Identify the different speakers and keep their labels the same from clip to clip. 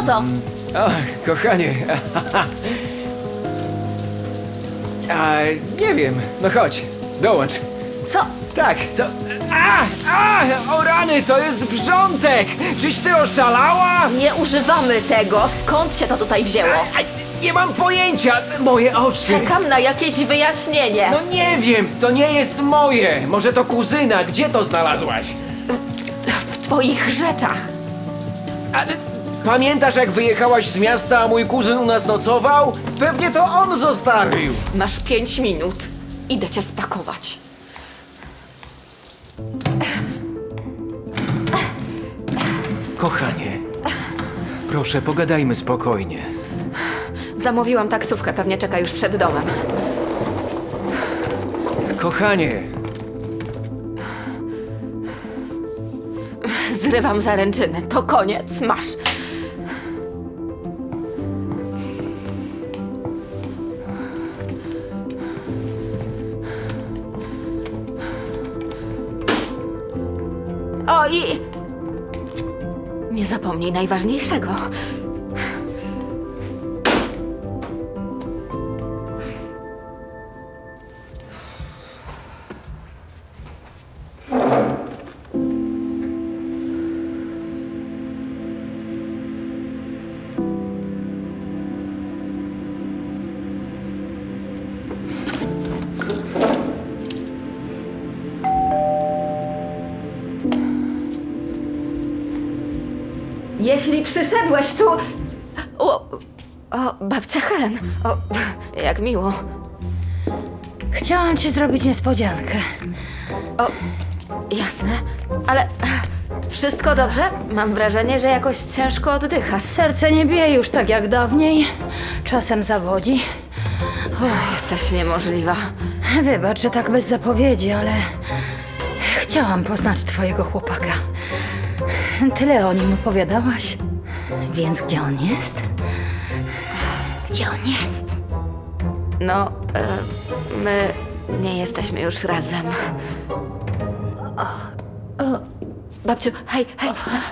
Speaker 1: to?
Speaker 2: O, kochanie. Nie wiem. No chodź, dołącz.
Speaker 1: Co?
Speaker 2: Tak, co? O rany, to jest wrzątek! Czyś ty oszalała?
Speaker 1: Nie używamy tego. Skąd się to tutaj wzięło?
Speaker 2: Nie mam pojęcia, moje oczy.
Speaker 1: Czekam na jakieś wyjaśnienie.
Speaker 2: No nie wiem, to nie jest moje. Może to kuzyna, gdzie to znalazłaś?
Speaker 1: W twoich rzeczach.
Speaker 2: Pamiętasz, jak wyjechałaś z miasta, a mój kuzyn u nas nocował? Pewnie to on zostawił.
Speaker 1: Masz 5 minut. Idę cię spakować.
Speaker 2: Kochanie, proszę, pogadajmy spokojnie.
Speaker 1: Zamówiłam taksówkę, pewnie czeka już przed domem.
Speaker 2: Kochanie,
Speaker 1: Zrywam zaręczyny. To koniec. Masz. O i... Nie zapomnij najważniejszego. Jeśli przyszedłeś tu... O, babcia Helen. O, jak miło.
Speaker 3: Chciałam ci zrobić niespodziankę.
Speaker 1: O, jasne. Ale wszystko dobrze? Mam wrażenie, że jakoś ciężko oddychasz.
Speaker 3: Serce nie bije już tak jak dawniej. Czasem zawodzi.
Speaker 1: Jesteś niemożliwa.
Speaker 3: Wybacz, że tak bez zapowiedzi, ale chciałam poznać twojego chłopaka. Tyle o nim opowiadałaś. Więc gdzie on jest? Gdzie on jest?
Speaker 1: No, my nie jesteśmy już razem. Babciu, hej, hej.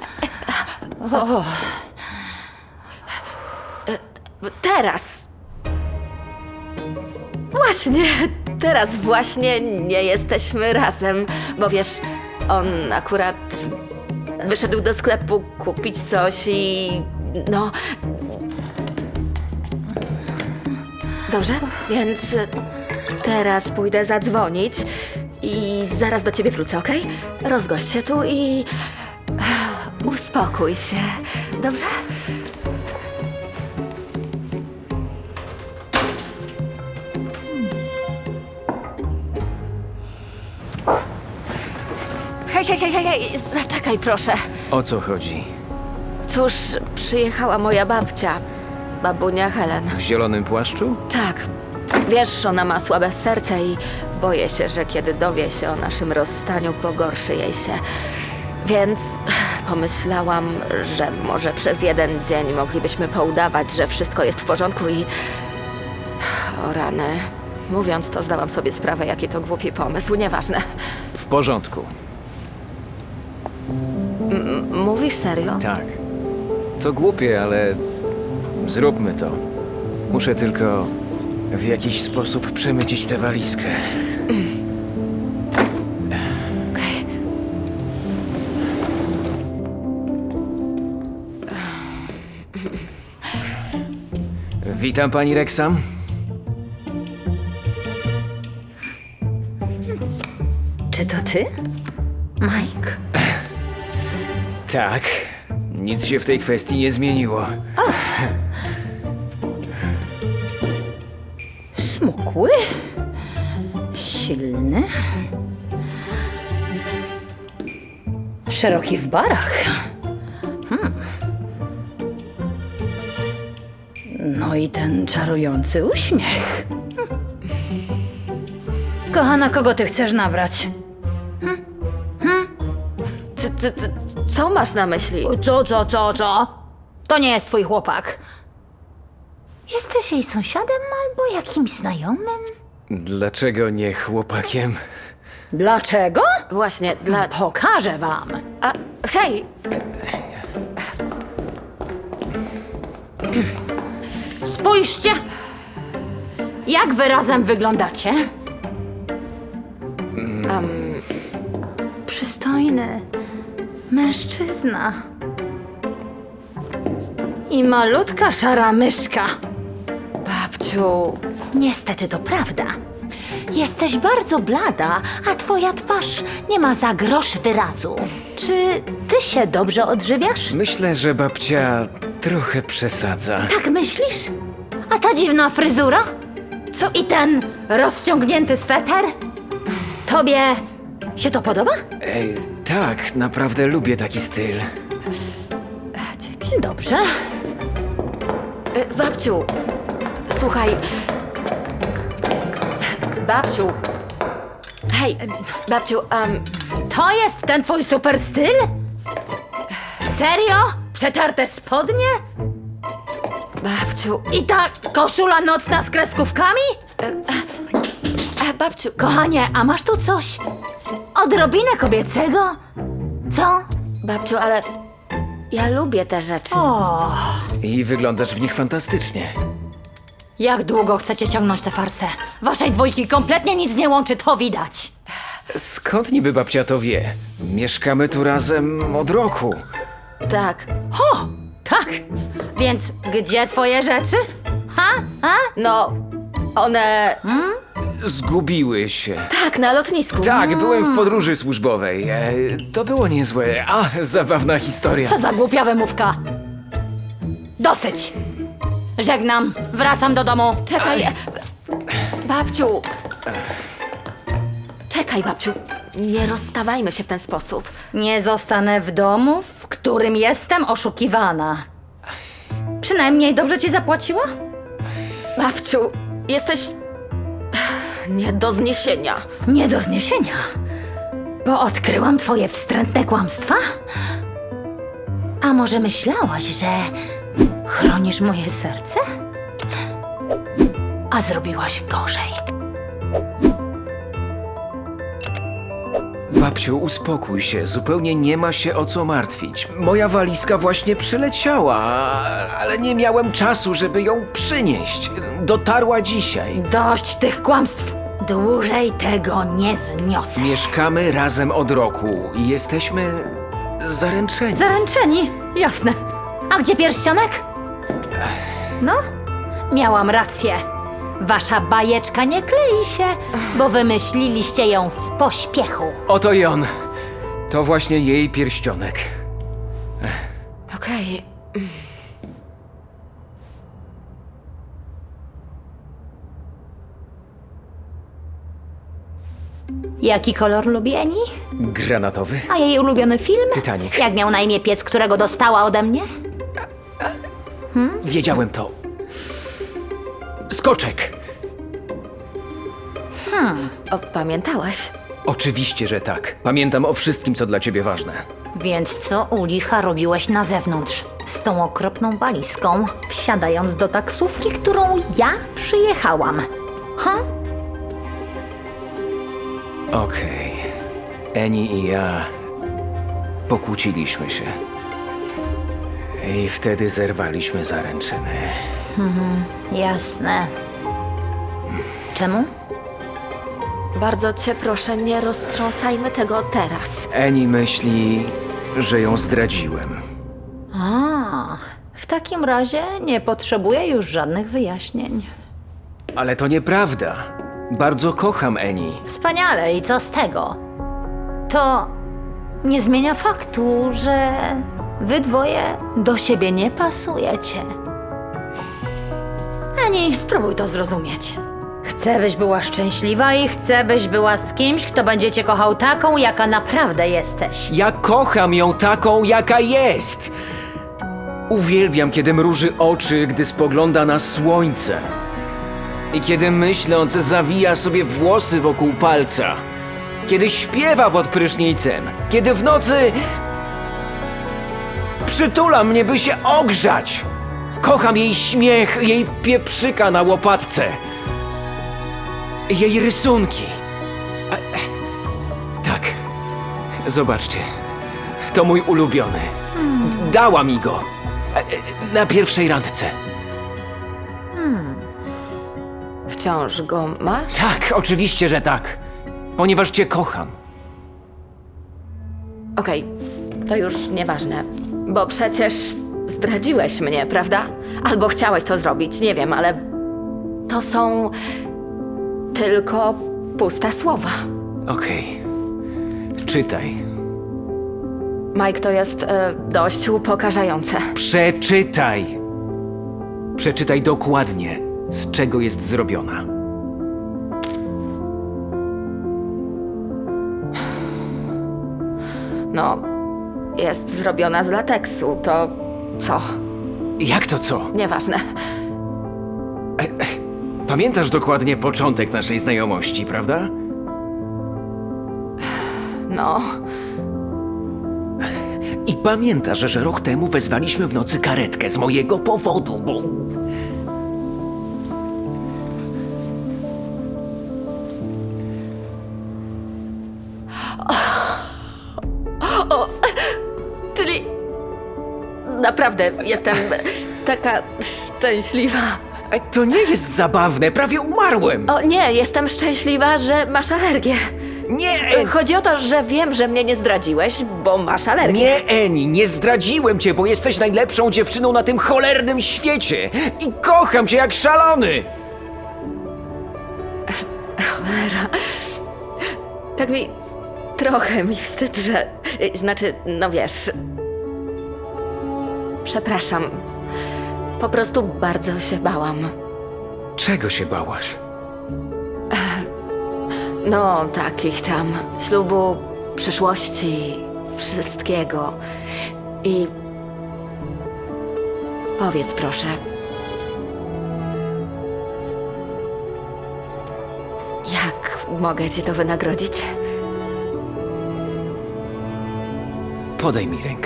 Speaker 1: Teraz. Właśnie, teraz właśnie nie jesteśmy razem, bo wiesz, on akurat wyszedł do sklepu kupić coś i no... Dobrze, więc teraz pójdę zadzwonić i zaraz do ciebie wrócę, okej? Rozgość się tu i uspokój się, dobrze? Hej, hej, hej, hej, hej, zaczekaj proszę.
Speaker 2: o co chodzi?
Speaker 1: Cóż, przyjechała moja babcia, babunia Helen.
Speaker 2: W zielonym płaszczu?
Speaker 1: Tak. Wiesz, ona ma słabe serce i boję się, że kiedy dowie się o naszym rozstaniu, pogorszy jej się. Więc pomyślałam, że może przez jeden dzień moglibyśmy poudawać, że wszystko jest w porządku i... O rany. Mówiąc to, zdałam sobie sprawę, jaki to głupi pomysł. Nieważne.
Speaker 2: W porządku.
Speaker 1: Mówisz serio?
Speaker 2: Tak. To głupie, ale zróbmy to. Muszę tylko w jakiś sposób przemycić tę walizkę.
Speaker 1: Okej.
Speaker 2: Witam, pani Rexham.
Speaker 3: Czy to ty? Mike?
Speaker 2: Tak. Nic się w tej kwestii nie zmieniło.
Speaker 3: Smukły? Silny? Szeroki w barach? No i ten czarujący uśmiech. Kochana, kogo ty chcesz nabrać?
Speaker 1: Co masz na myśli?
Speaker 3: Co? To nie jest twój chłopak. Jesteś jej sąsiadem albo jakimś znajomym?
Speaker 2: Dlaczego nie chłopakiem?
Speaker 3: Dlaczego?
Speaker 1: Właśnie, dla...
Speaker 3: Pokażę wam.
Speaker 1: A, hej!
Speaker 3: Spójrzcie! Jak wy razem wyglądacie? Przystojny mężczyzna. I malutka szara myszka.
Speaker 1: Babciu,
Speaker 3: Niestety to prawda. Jesteś bardzo blada, a twoja twarz nie ma za grosz wyrazu. Czy ty się dobrze odżywiasz?
Speaker 2: Myślę, że babcia trochę przesadza.
Speaker 3: Tak myślisz? A ta dziwna fryzura? Co i ten rozciągnięty sweter? Tobie się to podoba?
Speaker 2: Ej, tak, naprawdę lubię taki styl.
Speaker 3: Dobrze.
Speaker 1: babciu, słuchaj. Babciu. Hej, babciu,
Speaker 3: To jest ten twój super styl? Serio? Przetarte spodnie?
Speaker 1: babciu,
Speaker 3: I ta koszula nocna z kreskówkami?
Speaker 1: babciu,
Speaker 3: Kochanie, a masz tu coś? Odrobinę kobiecego? Co?
Speaker 1: babciu, ale ja lubię te rzeczy.
Speaker 3: O,
Speaker 2: I wyglądasz w nich fantastycznie.
Speaker 3: jak długo chcecie ciągnąć tę farsę? Waszej dwójki kompletnie nic nie łączy, to widać.
Speaker 2: Skąd niby babcia to wie? Mieszkamy tu razem od roku.
Speaker 1: Tak,
Speaker 3: O, tak. Więc gdzie twoje rzeczy? Ha? Ha?
Speaker 1: no, one...
Speaker 2: Zgubiły się.
Speaker 1: Tak, na lotnisku.
Speaker 2: Tak, byłem w podróży służbowej. To było niezłe. A, zabawna historia.
Speaker 3: Co za głupia wymówka. Dosyć. Żegnam, wracam do domu.
Speaker 1: Czekaj, babciu. Czekaj, babciu. Nie rozstawajmy się w ten sposób.
Speaker 3: Nie zostanę w domu, w którym jestem oszukiwana. Przynajmniej dobrze ci zapłaciła?
Speaker 1: Babciu, jesteś... nie do zniesienia.
Speaker 3: Nie do zniesienia. Bo odkryłam twoje wstrętne kłamstwa? A może myślałaś, że chronisz moje serce? A zrobiłaś gorzej.
Speaker 2: Babciu, uspokój się. Zupełnie nie ma się o co martwić. Moja walizka właśnie przyleciała, ale nie miałem czasu, żeby ją przynieść. Dotarła dzisiaj.
Speaker 3: Dość tych kłamstw. Dłużej tego nie zniosę.
Speaker 2: Mieszkamy razem od roku i jesteśmy zaręczeni.
Speaker 3: Zaręczeni, jasne. A gdzie pierścionek? No, miałam rację. Wasza bajeczka nie klei się, bo wymyśliliście ją w pośpiechu.
Speaker 2: Oto i on. To właśnie jej pierścionek.
Speaker 1: Okej.
Speaker 3: Jaki kolor lubi Eni?
Speaker 2: Granatowy?
Speaker 3: A jej ulubiony film?
Speaker 2: Titanic.
Speaker 3: Jak miał na imię pies, którego dostała ode mnie?
Speaker 2: Wiedziałem to. Skoczek!
Speaker 1: Pamiętałaś?
Speaker 2: Oczywiście, że tak. Pamiętam o wszystkim, co dla ciebie ważne.
Speaker 3: Więc co u licha robiłeś na zewnątrz? Z tą okropną walizką, wsiadając do taksówki, którą ja przyjechałam. Ha?
Speaker 2: Okej. Eni i ja pokłóciliśmy się. I wtedy zerwaliśmy zaręczyny.
Speaker 3: Jasne. Czemu?
Speaker 1: Bardzo cię proszę, nie roztrząsajmy tego teraz.
Speaker 2: Eni myśli, że ją zdradziłem.
Speaker 3: A, w takim razie nie potrzebuję już żadnych wyjaśnień.
Speaker 2: Ale to nieprawda. Bardzo kocham Eni.
Speaker 3: Wspaniale, i co z tego? To nie zmienia faktu, że wy dwoje do siebie nie pasujecie. Ani, spróbuj to zrozumieć. Chcę, byś była szczęśliwa i chcę, byś była z kimś, kto będzie cię kochał taką, jaka naprawdę jesteś.
Speaker 2: Ja kocham ją taką, jaka jest. Uwielbiam, kiedy mruży oczy, gdy spogląda na słońce. I kiedy myśląc zawija sobie włosy wokół palca. Kiedy śpiewa pod prysznicem. Kiedy w nocy przytula mnie, by się ogrzać. Kocham jej śmiech, jej pieprzyka na łopatce. Jej rysunki. Tak. Zobaczcie. To mój ulubiony. Dała mi go. Na pierwszej randce.
Speaker 1: wciąż go masz?
Speaker 2: Tak, oczywiście, że tak. Ponieważ cię kocham.
Speaker 1: Okej, to już nieważne, bo przecież zdradziłeś mnie, prawda? Albo chciałeś to zrobić, nie wiem, ale to są tylko puste słowa.
Speaker 2: Okej. Czytaj.
Speaker 1: Mike, to jest dość upokarzające.
Speaker 2: Przeczytaj. Przeczytaj dokładnie, z czego jest zrobiona.
Speaker 1: No, jest zrobiona z lateksu, to co?
Speaker 2: Jak to co?
Speaker 1: Nieważne.
Speaker 2: Pamiętasz dokładnie początek naszej znajomości, prawda?
Speaker 1: No,
Speaker 2: I pamiętasz, że rok temu wezwaliśmy w nocy karetkę z mojego powodu, bo...
Speaker 1: czyli naprawdę jestem taka szczęśliwa.
Speaker 2: To nie jest zabawne, prawie umarłem!
Speaker 1: O nie, jestem szczęśliwa, że masz alergię.
Speaker 2: Nie!
Speaker 1: Chodzi o to, że wiem, że mnie nie zdradziłeś, bo masz alergię.
Speaker 2: Nie, Eni, nie zdradziłem cię, bo jesteś najlepszą dziewczyną na tym cholernym świecie! I kocham cię jak szalony!
Speaker 1: Cholera. Tak mi... trochę mi wstyd, że... Znaczy, no wiesz... Przepraszam. Po prostu bardzo się bałam.
Speaker 2: Czego się bałaś?
Speaker 1: No, takich tam. Ślubu, przyszłości, wszystkiego. I... Powiedz proszę. Jak mogę ci to wynagrodzić?
Speaker 2: Podaj mi rękę.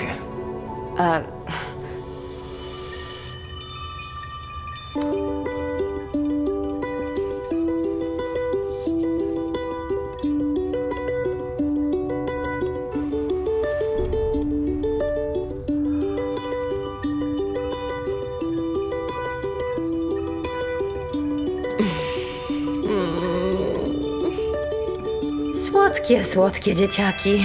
Speaker 3: Słodkie, słodkie dzieciaki.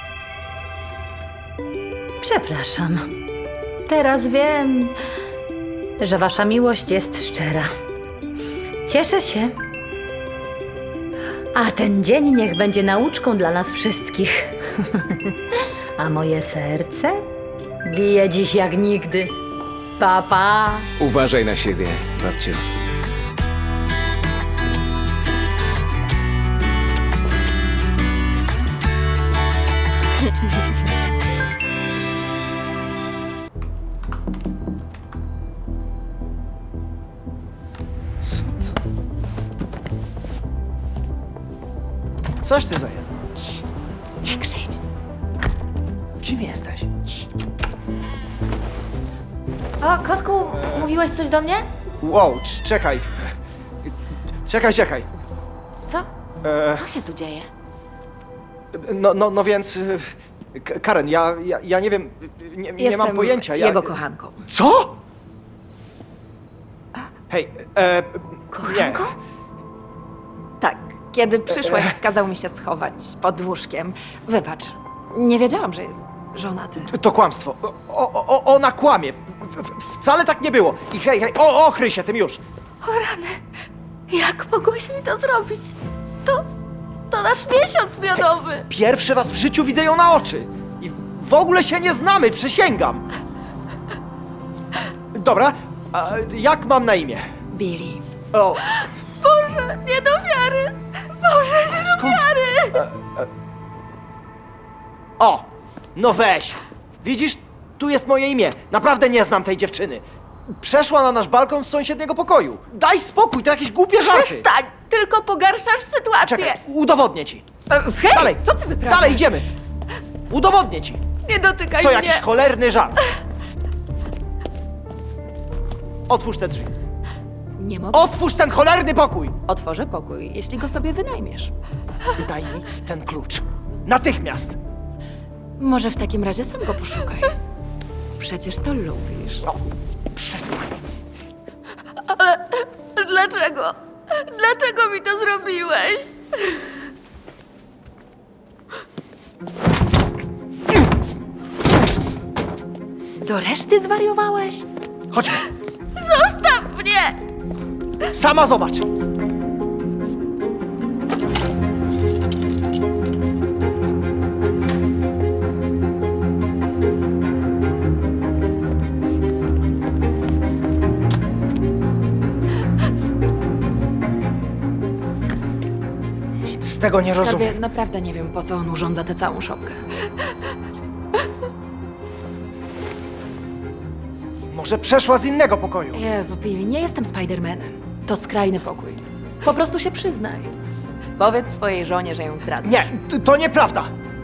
Speaker 3: Przepraszam. Teraz wiem, że wasza miłość jest szczera. Cieszę się. A ten dzień niech będzie nauczką dla nas wszystkich. A moje serce bije dziś jak nigdy. Pa, pa.
Speaker 2: Uważaj na siebie, babciu.
Speaker 4: Coś ty za jeden.
Speaker 1: Nie krzycz.
Speaker 4: Kim jesteś?
Speaker 1: O, kotku, mówiłeś coś do mnie?
Speaker 4: Wow, czekaj. Czekaj.
Speaker 1: Co?
Speaker 4: E,
Speaker 1: Co się tu dzieje?
Speaker 4: no więc... Karen, ja nie wiem, nie mam pojęcia.
Speaker 5: jego kochanką.
Speaker 4: Co? Hej,
Speaker 1: Kochanką?
Speaker 5: Tak, kiedy przyszłeś, kazał mi się schować pod łóżkiem. Wybacz, nie wiedziałam, że jest żonaty.
Speaker 4: nie, to kłamstwo. Ona kłamie. Wcale tak nie było. I hej, ochryj się tym już.
Speaker 1: O rany, jak mogłeś mi to zrobić? To nasz miesiąc miodowy.
Speaker 4: Pierwszy raz w życiu widzę ją na oczy. I w ogóle się nie znamy, przysięgam. Dobra, a jak mam na imię?
Speaker 5: Billy.
Speaker 4: O,
Speaker 1: Boże, nie do wiary. Boże, nie do
Speaker 4: skąd?
Speaker 1: wiary.
Speaker 4: O, no weź. Widzisz, tu jest moje imię. Naprawdę nie znam tej dziewczyny. Przeszła na nasz balkon z sąsiedniego pokoju. Daj spokój, to jakieś głupie żarty.
Speaker 1: Przestań, tylko pogarszasz sytuację.
Speaker 4: Czekaj, udowodnię ci.
Speaker 5: Hej,
Speaker 4: Dalej,
Speaker 5: co ty wyprawiasz?
Speaker 4: Dalej idziemy. Udowodnię ci.
Speaker 1: Nie dotykaj
Speaker 4: To
Speaker 1: mnie.
Speaker 4: jakiś cholerny żart. Otwórz te drzwi.
Speaker 5: Nie mogę.
Speaker 4: Otwórz ten cholerny pokój.
Speaker 5: Otworzę pokój, jeśli go sobie wynajmiesz.
Speaker 4: Daj mi ten klucz. Natychmiast.
Speaker 5: Może w takim razie sam go poszukaj. Przecież to lubisz.
Speaker 4: O, przestań.
Speaker 1: Dlaczego? Dlaczego mi to zrobiłeś?
Speaker 5: Do reszty zwariowałeś?
Speaker 4: Chodźmy.
Speaker 1: Zostaw mnie!
Speaker 4: Sama zobacz. Nic z tego nie rozumiem.
Speaker 5: Skarbie, naprawdę nie wiem, po co on urządza tę całą szopkę.
Speaker 4: Może przeszła z innego pokoju.
Speaker 5: Jezu, Billy, nie jestem Spidermanem. To skrajny pokój. Po prostu się przyznaj. Powiedz swojej żonie, że ją zdradzasz.
Speaker 4: Nie, to nieprawda.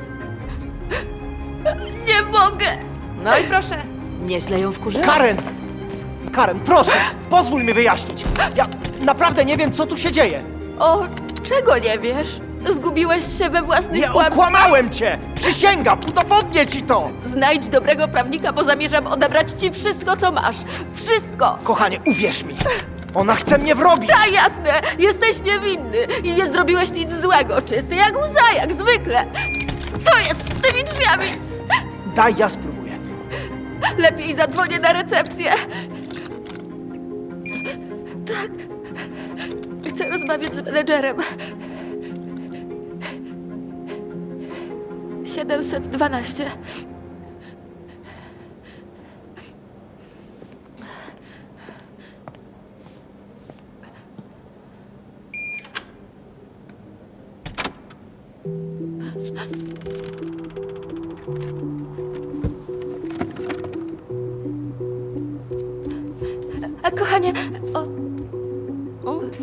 Speaker 1: Nie mogę!
Speaker 5: No i proszę, nieźle ją wkurzyłeś.
Speaker 4: Karen, proszę, pozwól mi wyjaśnić. Ja naprawdę nie wiem, co tu się dzieje.
Speaker 1: O, czego nie wiesz? Zgubiłeś się we własnych
Speaker 4: Nie
Speaker 1: kłamstwach?
Speaker 4: okłamałem cię! Przysięgam, udowodnię ci to!
Speaker 1: Znajdź dobrego prawnika, bo zamierzam odebrać ci wszystko, co masz. Wszystko!
Speaker 4: Kochanie, uwierz mi, ona chce mnie wrobić.
Speaker 1: Ta jasne! Jesteś niewinny i nie zrobiłeś nic złego. Czysty jak łza, jak zwykle. Co jest z tymi drzwiami?
Speaker 4: Daj, ja spróbuję.
Speaker 1: Lepiej zadzwonię na recepcję. Tak. Chcę rozmawiać z menedżerem. 712. Kochanie, ups.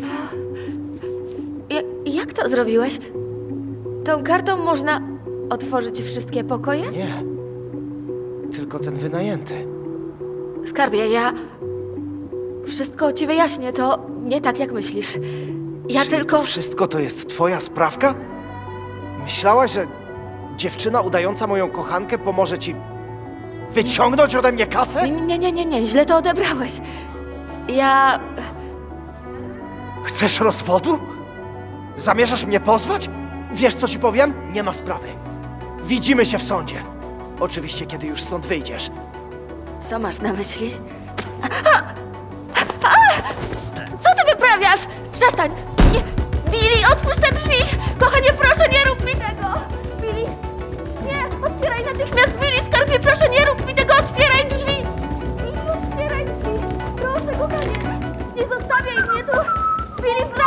Speaker 1: Jak to zrobiłeś? Tą kartą można otworzyć wszystkie pokoje?
Speaker 4: Nie, tylko ten wynajęty.
Speaker 1: Skarbie, ja wszystko ci wyjaśnię, to nie tak jak myślisz. Ja
Speaker 4: Czyli
Speaker 1: tylko...
Speaker 4: to wszystko to jest twoja sprawka? Myślałaś, że dziewczyna udająca moją kochankę pomoże ci wyciągnąć ode mnie kasę?
Speaker 1: Nie, źle to odebrałeś. Ja...
Speaker 4: Chcesz rozwodu? Zamierzasz mnie pozwać? Wiesz, co ci powiem? Nie ma sprawy. Widzimy się w sądzie. Oczywiście, kiedy już stąd wyjdziesz.
Speaker 1: Co masz na myśli? Co ty wyprawiasz? Przestań! Nie! Billy, otwórz te drzwi! Kochanie, proszę, nie rób mi tego! Billy! Nie! Otwieraj natychmiast! Billy, skarbie, proszę, nie rób mi tego! Otwieraj drzwi! Billy, otwieraj drzwi! Proszę, kochanie! Nie zostawiaj mnie tu! Billy, proszę!